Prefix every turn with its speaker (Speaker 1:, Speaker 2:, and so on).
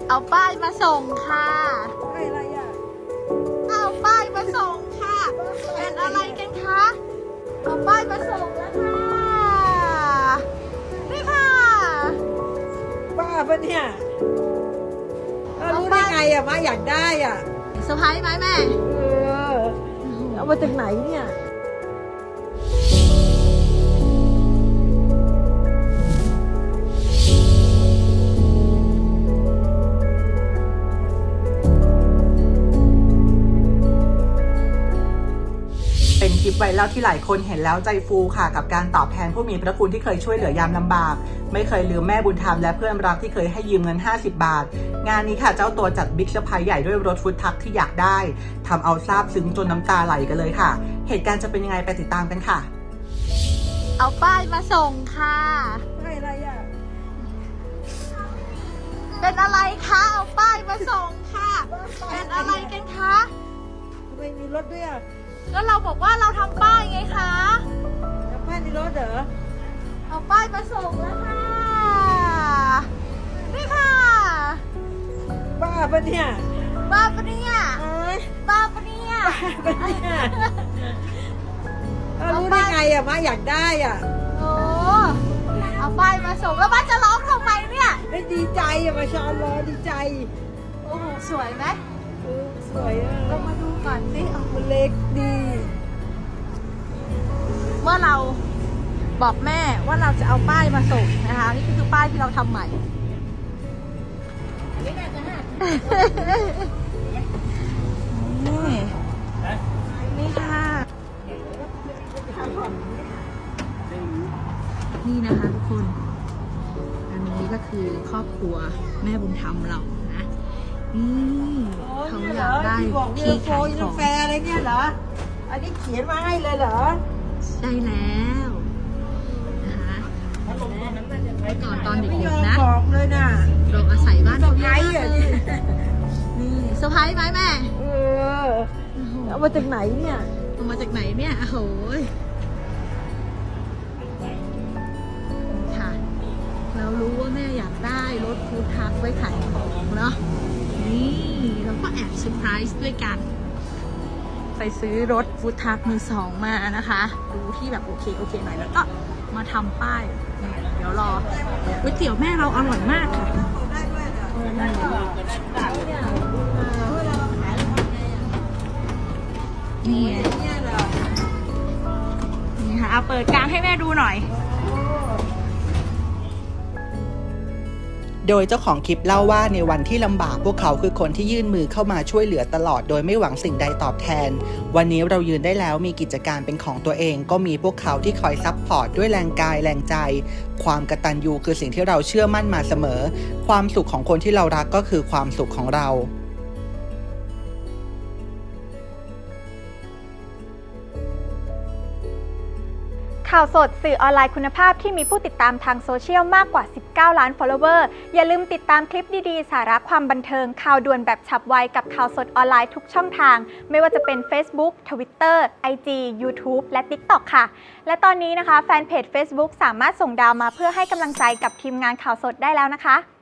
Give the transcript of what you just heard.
Speaker 1: เอาป้ายมาส่งค่ะ
Speaker 2: อะไรอ่ะ
Speaker 1: เอาป้ายมาส่งค่ะเป็นอะไรกันคะเอาป้ายมาส่งแล้วค่ะนี่ค่ะ
Speaker 2: บ้าปะเนี่ยรู้ได้ไงอ่ะมาอยากได้อ่ะ
Speaker 1: เซอร์ไพรส์ไหมแม่
Speaker 2: เอามาจากไหนเนี่ย
Speaker 3: เป็นคลิปไวรัลที่หลายคนเห็นแล้วใจฟูค่ะกับการตอบแทนผู้มีพระคุณที่เคยช่วยเหลือยามลำบากไม่เคยลืมแม่บุญธรรมและเพื่อนรักที่เคยให้ยืมเงิน50 บาทงานนี้ค่ะเจ้าตัวจัดบิ๊กเซอร์ไพรส์ใหญ่ด้วยรถฟู้ดทรัคที่อยากได้ทำเอาซาบซึ้งจนน้ำตาไหลกันเลยค่ะเหตุการณ์จะเป็นยังไงไปติดตามกันค่ะ
Speaker 1: เอาป้ายมาส่งค่ะ
Speaker 2: อะไรอ่ะ
Speaker 1: เป็นอะไรคะเอาป้ายมาส่งค่ะเป็นอะไรกันคะ
Speaker 2: ทำไมมีรถด้วยอ่ะ
Speaker 1: ก็เราบอกว่าเราทำป้ายไงคะ
Speaker 2: แล้วป้าในรถเหรอ
Speaker 1: เอาป้ายมาส่งแล้วค่ะนี่ค่ะ
Speaker 2: บ้าปะเนี่ย
Speaker 1: บ้าปะเนี่ยบ้าปะเนี่ย
Speaker 2: บ้าปะเนี่ยรู้ได้ไงอ่ะมาอยากได้อ่ะ
Speaker 1: โอ้เอาป้ายมาส่งแล้วบ้านจะร้องทำไมเนี่ย
Speaker 2: ไม่ดีใจอ่ะมาชอนรอดีใจ
Speaker 1: โอ้โหสวยไหม
Speaker 2: สวยอ่ะ
Speaker 1: เรามาดูก่อนสิ
Speaker 2: มันเล็กดี
Speaker 1: เมื่อเราบอกแม่ว่าเราจะเอาป้ายมาส่งนะคะนี่คือป้ายที่เราทำใหม่นี่ค่ะนี่นะคะทุกคนอันนี้ก็คือครอบครัวแม่บุญธรรมเรานะนี่เขาอยากได้ที่ขายของ
Speaker 2: กาแฟอะไรเนี่ยเหรออันนี้เขียนมาให้เลยเหรอ
Speaker 1: ใช่แล้วนะคะก่อนตอนเด็กๆนะ
Speaker 2: บอกเลยนะ
Speaker 1: เราอาศัยบ้านเขาเยอะนี่เซอร์ไพรส์ไหมแม่
Speaker 2: เอามาจากไหนเนี่ย
Speaker 1: เอามาจากไหนเนี่ยโอ้โหค่ะเรารู้ว่าแม่อยากได้รถฟู้ดทรัคไว้ขายของเนาะนี่เราก็แอบเซอร์ไพรส์ด้วยกันไปซื้อรถฟู้ดทรัคมือสองมานะคะดูที่แบบโอเคหน่อยแล้วก็มาทำป้ายเดี๋ยวรอก๋วยเตี๋ยวแม่เราอร่อยมากค่ะนี่นี่ค่ะเอาเปิดกลางให้แม่ดูหน่อย
Speaker 3: โดยเจ้าของคลิปเล่าว่าในวันที่ลำบากพวกเขาคือคนที่ยื่นมือเข้ามาช่วยเหลือตลอดโดยไม่หวังสิ่งใดตอบแทนวันนี้เรายืนได้แล้วมีกิจการเป็นของตัวเองก็มีพวกเขาที่คอยซัพพอร์ตด้วยแรงกายแรงใจความกตัญญูคือสิ่งที่เราเชื่อมั่นมาเสมอความสุขของคนที่เรารักก็คือความสุขของเรา
Speaker 4: ข่าวสดสื่อออนไลน์คุณภาพที่มีผู้ติดตามทางโซเชียลมากกว่า 19 ล้าน follower อย่าลืมติดตามคลิปดีๆ สาระความบันเทิงข่าวด่วนแบบฉับไวกับข่าวสดออนไลน์ทุกช่องทาง ไม่ว่าจะเป็น Facebook Twitter IG YouTube และ TikTok ค่ะ และตอนนี้นะคะแฟนเพจ Facebook สามารถส่งดาวมาเพื่อให้กำลังใจกับทีมงานข่าวสดได้แล้วนะคะ